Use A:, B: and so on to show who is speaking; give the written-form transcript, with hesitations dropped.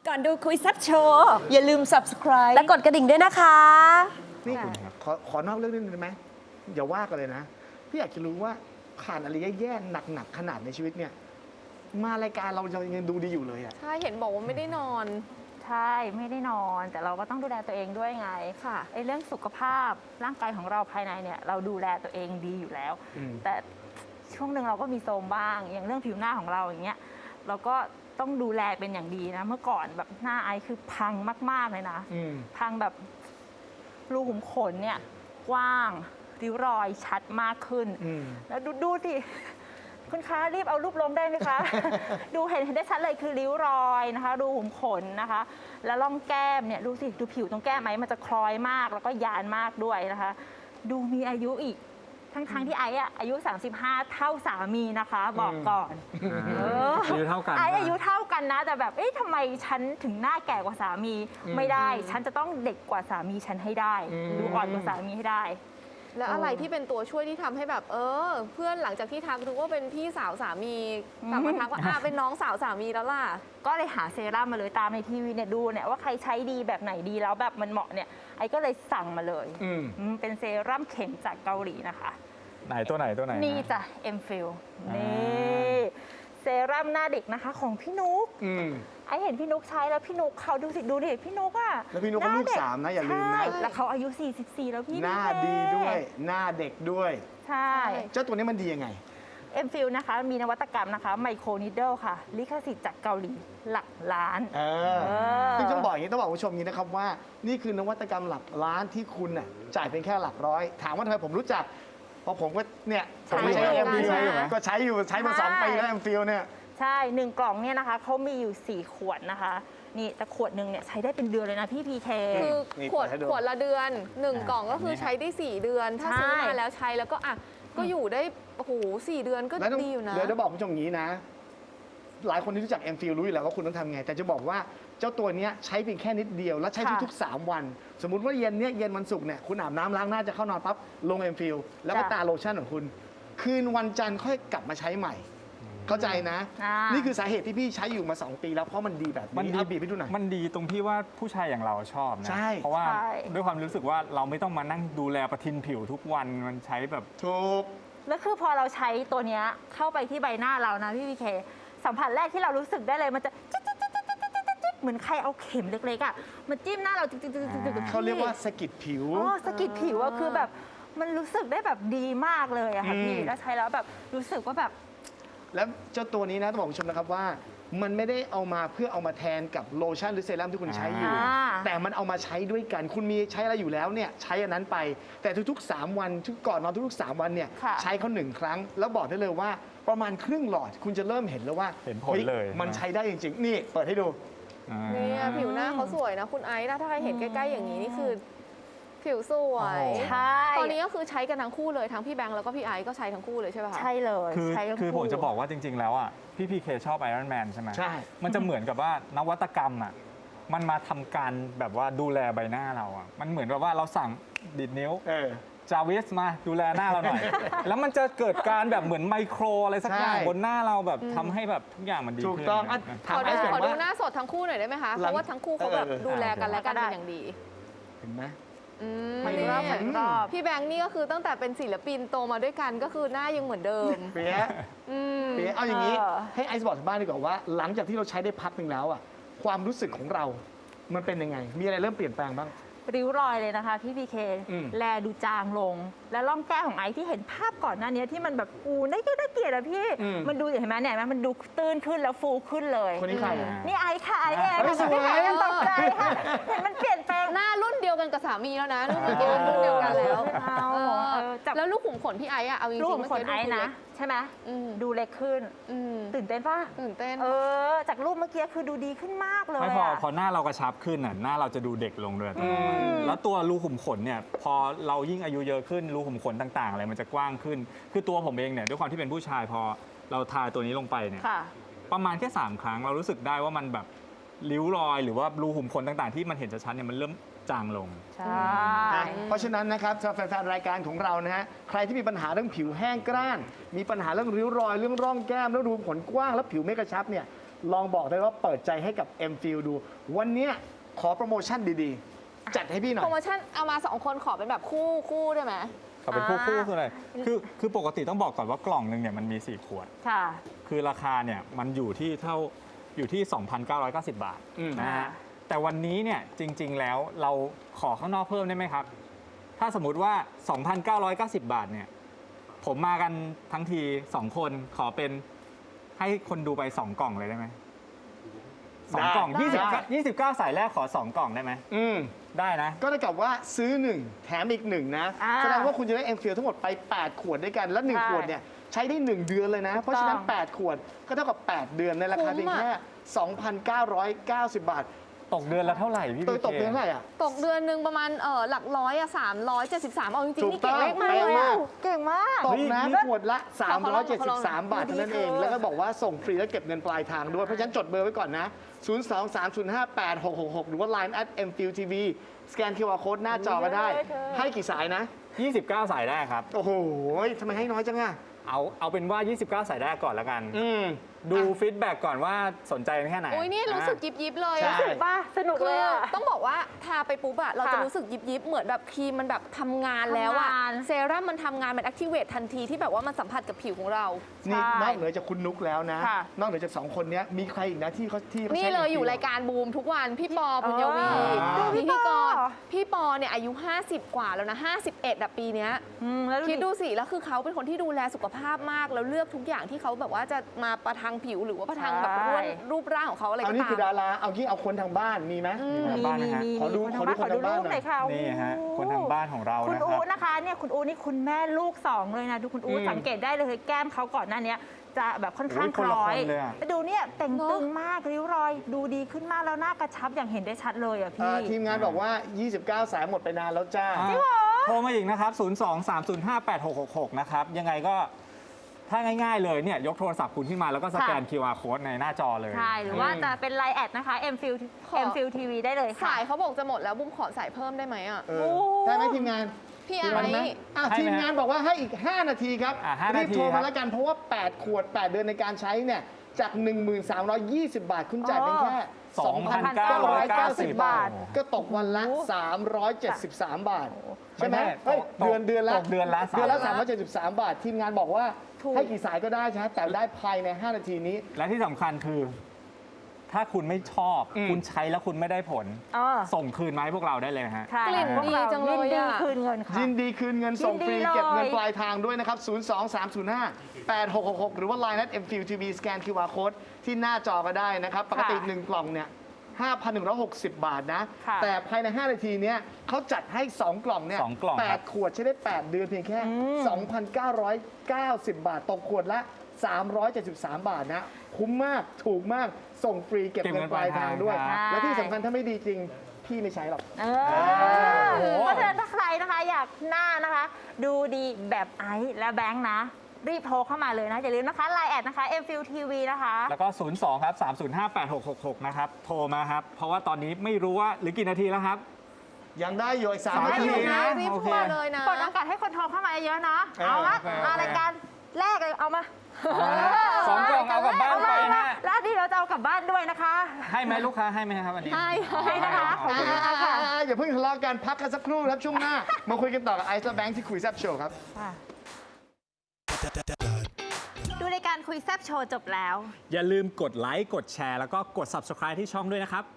A: ก่อนดูคุยแซับโชว์อย่าลืม subscribe
B: และกดกระดิ่งด้วยนะคะ
C: นี่ขอนอกเรื่องนิดนึงได้ไหมอย่าว่ากันเลยนะ พี่อยากจะรู้ว่าผ่านอะไรแย่ๆหนักๆขนาดในชีวิตเนี่ย มารายการเรายังดูดีอยู่เลยอะ
D: ใช่เห็นบอกว่าไม่ได้นอน
E: ใช่ไม่ได้นอนแต่เราก็ต้องดูแลตัวเองด้วยไง
D: ค่ะ
E: ไอ้เรื่องสุขภาพร่างกายของเราภายในเนี่ยเราดูแลตัวเองดีอยู่แล้ว แต่ช่วงหนึ่งเราก็มีโทรมบ้าง อย่างเรื่องผิวหน้าของเราอย่างเงี้ยเราก็ต้องดูแลเป็นอย่างดีนะ เมื่อก่อนแบบหน้าไอซ์คือพังมากๆเลยนะพังแบบรูขุมขนเนี่ยกว้างริ้วรอยชัดมากขึ้นแล้วดูสิคุณคะรีบเอารูปลงได้ไหมคะ ดูเห็นได้ชัดเลยคือริ้วรอยนะคะรูขุมขนนะคะ แล้วร่องแก้มเนี่ยดูสิดูผิวตรงแก้มไหมมันจะคล้อยมากแล้วก็ยานมากด้วยนะคะ ดูมีอายุอีกทั้งที่ไอ้อายุ 35 เท่าสามีนะคะ บอกก่อน
F: อายุเท่ากัน
E: ไอ้อายุเท่ากันนะแต่แบบทำไมฉันถึงหน้าแก่กว่าสามีไม่ได้ ฉันจะต้องเด็กกว่าสามีฉันให้ได้ดูอ่อนกว่าสามีให้ได้
D: แล้วอะไรที่เป็นตัวช่วยที่ทำให้แบบเพื่อนหลังจากที่ทักดูว่าเป็นพี่สาวสามีกลับมาทักว่าเป็นน้องสาวสามีแล้วล่ะ
E: ก็เลยหาเซรั่มมาเลยตามในทีวีเนี่ยดูเนี่ยว่าใครใช้ดีแบบไหนดีแล้วแบบมันเหมาะเนี่ยไอ้ก็เลยสั่งมาเลยเป็นเซรั่มเข็มจากเกาหลีนะคะ
F: ไหนตัวไหน
E: นี่จ้ะเอ็มฟิลนี่เซรั่มหน้าเด็กนะคะของพี่นุ๊กไอเห็นพี่นุ๊กใช้แล้วพี่นุ๊กเขาดูสิพี่นุ๊กอะ
C: แล้วพี่นุ๊กก็ลูก3นะอย่าลืมนะ
E: แล้วเขาอายุ44แล้วพี่
C: หน้าดีด้วยหน้าเด็กด้วย
E: ใช่
C: เจ้าตัวนี้มันดียังไง
E: เอ็มฟิลนะคะมีนวัตกรรมนะคะไมโครนิดเดิลค่ะลิขสิทธิ์จากเกาหลีหลักล้าน
C: ซึ่งต้องบอกอย่างนี้ต้องบอกผู้ชมอย่างนี้นะครับว่านี่คือนวัตกรรมหลักล้านที่คุณน่ะจ่ายเป็นแค่หลักร้อยถามว่าทำไมผมรู้จักเพราะผมก็เนี่ยผมไม่ใช้เอ็มฟิลก็ใช้อยู่ใช้มา2 ปีแล้วเอ็มฟิลเนี่ย
E: ใช่1 กล่องเนี่ยนะคะเขามีอยู่4 ขวดนะคะนี่แต่ขวดหนึ่งเนี่ยใช้ได้เป็นเดือนเลยนะพี่พีเค
D: คือขวดละเดือน1 กล่องก็คือใช้ได้4 เดือนถ้าซื้อมาแล้วใช้แล้วก็อยู่ได้โอ้โห4 เดือนก็ดีอยู่นะ
C: เดี๋ยวจะบอกผู้ชมอย่างนี้นะหลายคนที่รู้จักเอ็มฟิลรู้อยู่แล้วว่าคุณต้องทำไงแต่จะบอกว่าเจ้าตัวนี้ใช้เพียงแค่นิดเดียวแล้วใช้ทุกๆ3 วันสมมุติว่าเย็นวันศุกร์เนี่ยคุณอาบน้ำล้างหน้าจะเข้านอนปั๊บลงเอ็มฟิลแล้วก็ตาโลชั่นของคุณคืนวันจันทร์ค่อยกลับมาใช้ใหม่เข้าใจนะนี่คือสาเหตุที่พี่ใช้อยู่มา2 ปีแล้วเพราะมันดีแบบนี้บีบให้ดูหน่อย
F: มันดีตรงที่ว่าผู้ชายอย่างเราชอบนะเพราะว่าด้วยความรู้สึกว่าเราไม่ต้องมานั่งดูแลประทินผิวทุกวันมันใช้แบบ
C: ถูก
E: แล้วคือพอเราใช้ตัวเนี้ยเข้าไปที่ใบหน้าเรานะพี่พีเคสัมผัสแรกที่เรารู้สึกได้เลยมันจะเหมือนใครเอาเข็มเล็กๆอ่ะมันจิ้มหน้าเรา
C: เขาเรียกว่าสะกิดผิว
E: สะกิดผิวอะคือแบบมันรู้สึกได้แบบดีมากเลยอะค่ะพี่แล้วใช้แล้วแบบรู้สึกว่าแบบ
C: แล้วเจ้าตัวนี้นะต้องบอกคุณผู้ชมนะครับว่ามันไม่ได้เอามาเพื่อเอามาแทนกับโลชั่นหรือเซรั่มที่คุณใช้อยู่แต่มันเอามาใช้ด้วยกันคุณมีใช้อะไรอยู่แล้วเนี่ยใช้อันนั้นไปแต่ทุกๆ3 วันก่อนนอนทุกๆ3 วันเนี่ยใช้เขา1 ครั้งแล้วบอกได้เลยว่าประมาณครึ่งหลอดคุณจะเริ่มเห็นแล้วว่า
F: เห็นผลเลย
C: มันใช้ได้จริงๆนี่เปิดให้ดู
D: เนี่ยผิวหน้าเขาสวยนะคุณไอซ์นะถ้าใครเห็นใกล้ๆอย่างนี้นี่คือผิวสวย
E: ใช่
D: ตอนนี้ก็คือใช้กันทั้งคู่เลยทั้งพี่แบงค์แล้วก็พี่ไอซ์ก็ใช้ทั้งคู่เลยใช่ป่ะคะ
E: ใช่เลย
F: คือผมจะบอกว่าจริงๆแล้วอ่ะพี่พีเคชอบไอรอนแมนใช่ไหม
C: ใช่
F: มันจะเหมือนกับว่านวัตกรรมอ่ะมันมาทำการแบบว่าดูแลใบหน้าเราอ่ะมันเหมือนกับว่าเราสั่งดีดนิ้วจาวิสมาดูแลหน้าเราหน่อยแล้วมันจะเกิดการแบบเหมือนไมโครอะไรสักอย่างบนหน้าเราแบบทำให้แบบทุกอย่างมันดีขึ้น
C: ถูกต้อง
D: ขอดูหน้าสดทั้งคู่หน่อยได้ไหมคะเพราะว่าทั้งคู่เขาแบบดูแลกันและกันเป็นอย่างดี
C: เห็นไหม
D: พี่แบงค์นี่ก็คือตั้งแต่เป็นศิลปินโตมาด้วยกันก็คือหน้ายังเหมือนเดิม
C: เปี๊ยะเอาอย่างนี้ให้ไอซ์บอกทางบ้านดีกว่าว่าหลังจากที่เราใช้ได้พักหนึ่งแล้วอ่ะความรู้สึกของเรามันเป็นยังไงมีอะไรเริ่มเปลี่ยนแปลงบ้าง
E: ริ้วรอยเลยนะคะพี่พีเคแลดูจางลงและร่องแก้มของไอที่เห็นภาพก่อนหน้านี้ที่มันแบบได้เกลียดอะพี่มันดูเห็นไหมเนี่ยมันดูตื้นขึ้นแล้วฟูขึ้นเลย
C: คนนี้ใคร
E: นี่ไอค่ะไอเองไม่ใช่ยังตกใจค่ะเห็นมันเปลี่ยนแปลง
D: หน้ารุ่นเดียวกันกับสามีแล้วนะรุ่นเดียวกันแล้วแล้วลูกขุมขนพี่ไออะเอาจริงๆ
E: ลูกขุมขนไอนะใช่ไหมดูเล็กขึ้นตื่นเต้นป่ะ
D: ตื่นเต้น
E: จากรูปเมื่อกี้คือดูดีขึ้นมากเลย
F: ไม่พอหน้าเรากระชับขึ้นน่ะหน้าเราจะดูเด็กลงด้วยแล้วตัวรูขุมขนเนี่ยพอเรายิ่งอายุเยอะขึ้นรูขุมขนต่างๆอะไรมันจะกว้างขึ้นคือตัวผมเองเนี่ยด้วยความที่เป็นผู้ชายพอเราทาตัวนี้ลงไปเนี่ยประมาณแค่3 ครั้งเรารู้สึกได้ว่ามันแบบริ้วรอยหรือว่ารูขุมขนต่างๆที่มันเห็นชัดๆเนี่ยมันเริ่มจางลง
E: ใช่
C: เพราะฉะนั้นนะครับสำหรับแฟนๆรายการของเรานะฮะใครที่มีปัญหาเรื่องผิวแห้งกร้านมีปัญหาเรื่องริ้วรอยเรื่องร่องแก้มแล้วรูขุมขนกว้างแล้วผิวไม่กระชับเนี่ยลองบอกได้ว่าเปิดใจให้กับ M Feel ดู วันเนี้ยขอโปรโมชั่นดีๆ จัดให้พี่หน่อ
D: โปรโม
C: ย
D: ชั่นเอามา 2 คนขอเป็นแบบคู่ได้ไหม
F: เขาเป็นคู่คืออะไรคือปกติต้องบอกก่อนว่ากล่องหนึงเนี่ยมันมี 4 ขวด
E: ค่ะ
F: คือราคาเนี่ยมันอยู่ที่ 2,990 บาท
C: อืม
F: นะฮะแต่วันนี้เนี่ยจริง ๆ แล้วเราขอข้างนอกเพิ่มได้ไหมครับ ถ้าสมมุติว่า 2,990 บาทเนี่ยผมมากันทั้งที 2 คนขอเป็นให้คนดูไป 2 กล่องเลยได้ไหม2 กล่อง 29 สายแรกขอ 2 กล่องได้ไหม ได้นะ
C: ก็เท่ากับว่าซื้อ 1 แถมอีก 1 นะ
E: อ่า
C: แสดงว่าคุณจะได้ M Feel ทั้งหมดไป 8 ขวดด้วยกัน และ
E: ใช่
C: 1 ขวดเนี่ยใช้ได้ 1 เดือนเลยนะ เพราะฉะนั้น 8 ขวดก็เท่ากับ 8 เดือนในราคาเพียงแค่ 2,990 บาท
F: ตกเดือนละเท่าไหร่พี่
C: โดย
F: พีเค
C: ตกเดือนเท่าไหร่อ่ะ
D: ตกเดือนหนึ่งประมาณหลักร้อยอะ373เอาจริงๆนี่
C: ถู
D: เก่
C: ก
D: ง
C: ต้อง
D: เลขมากเลย
C: เป๊ะมาก
D: อะเก่งมาก
C: ตกนะ
F: เฮ้ย
C: ขวดละ 373 บาท
D: ขอลอง
C: เท่านั้นเอง แล้วก็บอกว่าส่งฟรีและเก็บเงินปลายทางด้วย เพราะฉะนั้นจดเบอร์ไว้ก่อนนะ 023058666 หรือว่า Line @mfieldtv สแกน QR Code หน้าจอก็ได้ ให้กี่สายนะ
F: 29 สายแรกครับ
C: โอ้โหทำไมให้น้อยจังอ่ะ
F: เอาเป็นว่า 29 สายแรกก่อนแล้วกัน ดูฟีดแบ็กก่อนว่าสนใจแค่ไหน
D: อุ้ยนี่รู้สึกยิบเลย
C: ใช่
D: อะ
E: รู้สึกป่ะสนุก
D: คื
E: เลย
D: อ
E: อะ
D: ต้องบอกว่าทาไปปุ๊บอะเราจะ
E: ค่ะ
D: รู้สึกยิบเหมือนแบบครีมมันแบบทำงานแล้วอะ
E: ทำงาน
D: เซรั่มมันทำงานมันแอคทีเวททันทีที่แบบว่ามันสัมผัสกับผิวของเรา
C: นี่
E: ใช่
C: นอกเหนือจากคุณนุกแล้วนะ
E: ค่ะ
C: นอกเหนือจาก 2 คนเนี้ยมีใครอีกนะที่เขาใช้
D: นี่เลย
C: M Feel
D: อยู่รายการบูมทุกวันพี่ปอปุญญวี
C: ดู
D: พิธีกร
E: พี่ปอ
D: พี่ปอเนี่ยอายุ 50 กว่าแล้วนะ51อะปีเนี้ย
E: แล้ว
D: คิดดูสิแล้วคือเขาเป็นคนที่ดูแลสุขภาพมาก แล้วเลือกทุกอย่างที่เขาแบบว่าจะมาประทังผิวหรือว่าประทังแบบรูปร่างของเขาอะไร
C: เอา
D: ก็
C: นี่
D: ตา
C: คือ
D: ม
C: ดาราเอางี้เอาคนทางบ้านมีไหม
F: ทางบ้านนะฮะ
C: ขอดู
E: คนทางบ้าน
C: ขอดูคนทางบ้านหน่อย
E: รูปหน่อยค่ะ
F: นี่ฮะ
E: โอ้โห
F: คนทางบ้านของเรา
E: คุณ
F: นะค
E: อู
F: รับ
E: นะคะเนี่ยคุณอูนี่คุณแม่ลูก 2 เลยนะดูคุณอูสังเกตได้เลยแก้มเขาก่อนหน้านี้จะแบบค่อนข้าง
F: โอ้ย
E: ค
F: คนละ
E: ล้อย
F: คนเลยอะ
E: แต่ดูเนี่ยแต่งตึงมากริ้วรอยดูดีขึ้นมากแล้วหน้ากระชับอย่างเห็นได้ชัดเลยอ่ะพี่
C: ทีมงานบอกว่า 29 สายหมดไปนานแล้วจ้า
F: โทรมาอีกนะครับ 023058666 นะครับ ยังไงก็ถ้าง่ายๆเลยเนี่ยยกโทรศัพท์คุณขึ้นมาแล้วก็สแกน
E: ค่ะ
F: QR code ในหน้าจอเลย
E: ใช่หรือว่าจะเป็นไลน์แอดนะคะ mfil TV ได้เลยค่ะ
D: สายเขาบอกจะหมดแล้วบุ้มขอสายเพิ่มได้ไหมอ่ะ
C: เออได้ไหมทีมงาน
D: พี่
C: ทีมงานไหม
D: ไอ้
C: ทีมงานบอกว่าให้อีก 5 นาทีครับ
F: 5
C: รี
F: นา
C: บ
F: ที
C: โทร
F: ครั
C: มา
F: บ
C: แล้วกันเพราะว่า 8 ขวด 8 เดือนในการใช้เนี่ยจาก 1320 บาท คุณจ่ายเป็นแค่ 2,990 บาท ก็ตกวันละ 373 บาท ใช่ไหม
F: ไม่
C: เฮ้ย
F: ตก
C: เดือนละ
F: ตกเดือนละ
C: เดือนละ373 บาท ทีมงานบอกว่า
E: ถูก
C: ให้กี่สายก็ได้ใช่ไหมแต่ได้ภายใน 5 นาทีนี้
F: และที่สำคัญคือ ถ้าคุณไม่ชอบ คุณใช้แล้วคุณไม่ได้ผล ส่งคืนมาให้พวกเราได้เลยฮะ
E: ใช่
D: กลิ่น
E: พวกเรา
D: ดีจังเลย
E: นดี
D: อะ
E: คืนเงินค่ะ
C: ยินดีคืนเงินส่งฟรี
E: ยินดีเลย
C: เก็บเงินปลายทางด้วยนะครับ 023058666 หรือว่า Line @mfieldtv สแกน QR Code ที่หน้าจอก็ได้นะครับ ปกติ 1 กล่องเนี่ย 5,160 บาทนะ
E: ค่ะ
C: แต่ภายใน 5 นาทีเนี้ยเขาจัดให้ 2 กล่องเนี่ย
F: 2 กล่องครับ
C: 8 ขวดใช้ได้ 8 เดือนเพียงแค่ 2,990 บาท ตกขวดละ 373 บาทนะ คุ้มมากถูกมากส่งฟรีเก็บเงินปลายทางด้วย
F: เก็บเงินปลายทาง
C: และที่สำคัญถ้าไม่ดีจริง พี่ไม่ใช้หรอก
E: เพราะฉะนั้นถ้าใครนะคะอยากหน้านะคะ ดูดีแบบไอซ์และแบงค์นะ รีบโทรเข้ามาเลยนะ อย่าลืมนะคะ Line แอดนะคะ mfil TV นะคะ
F: แล้วก็ 02 ครับ 3058666 นะครับ โทรมาครับ เพราะว่าตอนนี้ไม่รู้ว่าหรือกี่นาทีแล้วครับ
C: ยังได้อยู่อีก
F: สาม
C: 3 นา
F: นา
C: ที
F: ที
C: นะ
D: รีบ
F: โอเค
D: โทรมาเลยนะ
E: เปิดโอกาสให้คนโทรเข้ามาเยอะๆเนาะ
C: เออ
E: เอาละ
F: โอเค
E: เอารายการแรกเลยเอามา
F: สองกล่องเอากลับบ้านไปฮะ
E: แล้วนี่เราจะเอากลับบ้านด้วยนะคะ
F: ให้ไหมลูกค้าให้ไหมครับวันนี้
E: ให้นะคะ
F: โอเค
C: อย่าเพิ่งทะเลาะกันพักกันสักครู่ครับช่วงหน้า มาคุยกันต่อกับไอซ์และแบงค์ที่คุยแซบโชว์ครับ
E: ดูรายการคุยแซบโชว์จบแล้ว
F: อย่าลืมกดไลค์ กดแชร์ แล้วก็กด subscribe ที่ช่องด้วยนะครับ